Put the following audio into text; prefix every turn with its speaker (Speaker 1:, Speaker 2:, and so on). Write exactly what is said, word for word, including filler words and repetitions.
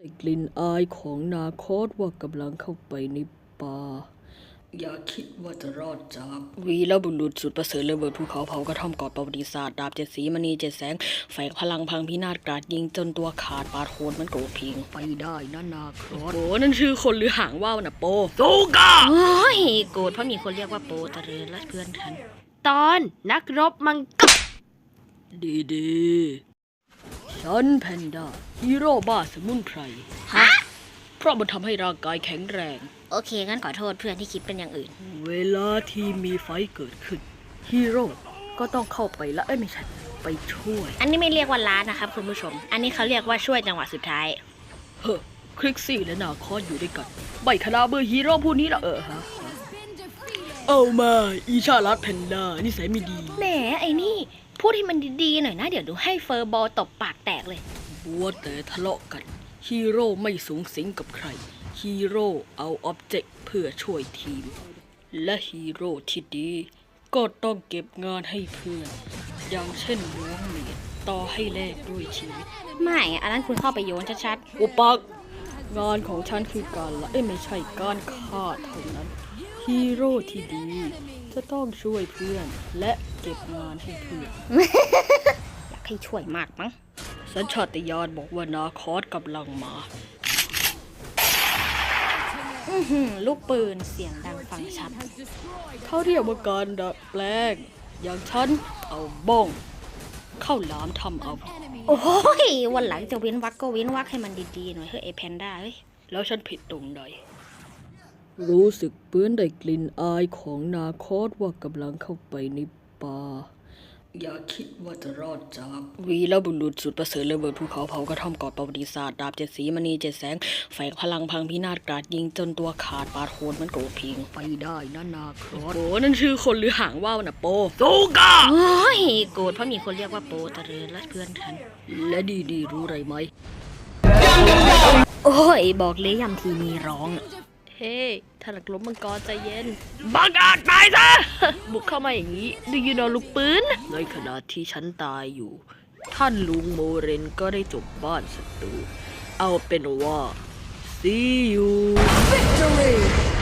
Speaker 1: ได้กลิ่นอายของนาคอสว่ากำลังเข้าไปในป่าอย่าคิดว่าจะรอดจากวีรบุรุษสุดประเสริฐระเบิดภูเขาเผากระท่อมกอดประวัติศาสตร์ดาบเจ็ดสีมณีเจ็ดแสงแฝงพลังพังพินาศกราดยิงจนตัวขาดปาดโคนมันโกรธพิงไปได้นะนาคอสโอ้นั่นชื่อคนหรือหางว่าวนะโปซูกา
Speaker 2: โอ้ยโกรธเพราะมีคนเรียกว่าโปตะเรือนและเพื่อนฉันตอนนักรบมังกร
Speaker 1: ดีดีฉันแพนด้าฮีโร่บ้าสมุนไพร
Speaker 2: ฮะ
Speaker 1: เพราะมันทำให้ร่างกายแข็งแรง
Speaker 2: โอเคงั้นขอโทษเพื่อนที่คิดเป็นอย่างอื่น
Speaker 1: เวลาที่มีไฟเกิดขึ้นฮีโร่ก็ต้องเข้าไปละเอ้ยไม่ใช่ไปช่วย
Speaker 2: อันนี้ไม่เรียกว่าล้านะครับคุณผู้ชมอันนี้เขาเรียกว่าช่วยจังหวะสุดท้าย
Speaker 1: เฮ้อคลิกซี่และนาคอสอยู่ด้วยกันใบคณะเบอร์ฮีโร่ผู้นี้ละเออฮะเอามาอีชาลัดแพนด้านิสัยไม่ดี
Speaker 2: แหมไอ้นี่พูดให้มันดีๆหน่อยนะเดี๋ยวดูให้เฟอร์บอลตบปากแตกเลย
Speaker 1: บัวแต่ทะเลาะกันฮีโร่ไม่สูงสิงกับใครฮีโร่เอาอ็อบเจกต์เพื่อช่วยทีมและฮีโร่ที่ดีก็ต้องเก็บงานให้เพื่อนอย่างเช่นล้วงเหรียญต่อให้แลกด้วยชีวิต
Speaker 2: ไม่อันนั้นคุณเข้าไปโยนชัด
Speaker 1: ๆอุปักงานของฉันคือการละเอ้ยไม่ใช่การฆ่าเท่านั้นฮีโร่ที่ดีจะต้องช่วยเพื่อนและเก็บงานให้เพื่อน
Speaker 2: อยากให้ช่วยมากมั้ง
Speaker 1: สัญชาตญาณบอกว่านาคอสกำลังมา
Speaker 2: อือหือลูกปืนเสียงดังฟังชัด
Speaker 1: เขาเรียกว่าการดัดแปลงอย่างฉันเอาบ้องเข้าหลามทำเอา
Speaker 2: โอ้ยวันหลังจะเว้นวักก็เว้นวักให้มันดีๆหน่อยเฮ้ยไอแพนด้าเฮ้ย
Speaker 1: แล้วฉันผิดตรงใดรู้สึกเปื้อนได้กลิ่นอายของนาคอสว่ากำลังเข้าไปในป่าอย่าคิดว่าจะรอดจากวีรบุรุษสุดประเสริฐระเบิดภูเขาเผากระท่อมกอดประวัติศาสตร์ดาบเจ็ดสีมณีเจ็ดแสงแฝงพลังพังพินาศกราดยิงจนตัวขาดปาดโคนมันโกรธพิงไปได้นะนาคอสโอ้นั่นชื่อคนหรือหางว่าวนะโปซูกา
Speaker 2: โอ้ยโกรธเพราะมีคนเรียกว่าโปตะเรือนและเพื่อนฉัน
Speaker 1: และดีดีรู้ไรไหม
Speaker 2: โอ้ยบอกเลยยำทีมีร้อง
Speaker 1: เฮ้ท่านนักรบมังกรใจเย็นบังอาจตายซะ บุกเข้ามาอย่างนี้ดูยูโนลูกปืนในขณะที่ฉันตายอยู่ท่านลุงโมเรนก็ได้จบบ้านศัตรูเอาเป็นว่า see you victory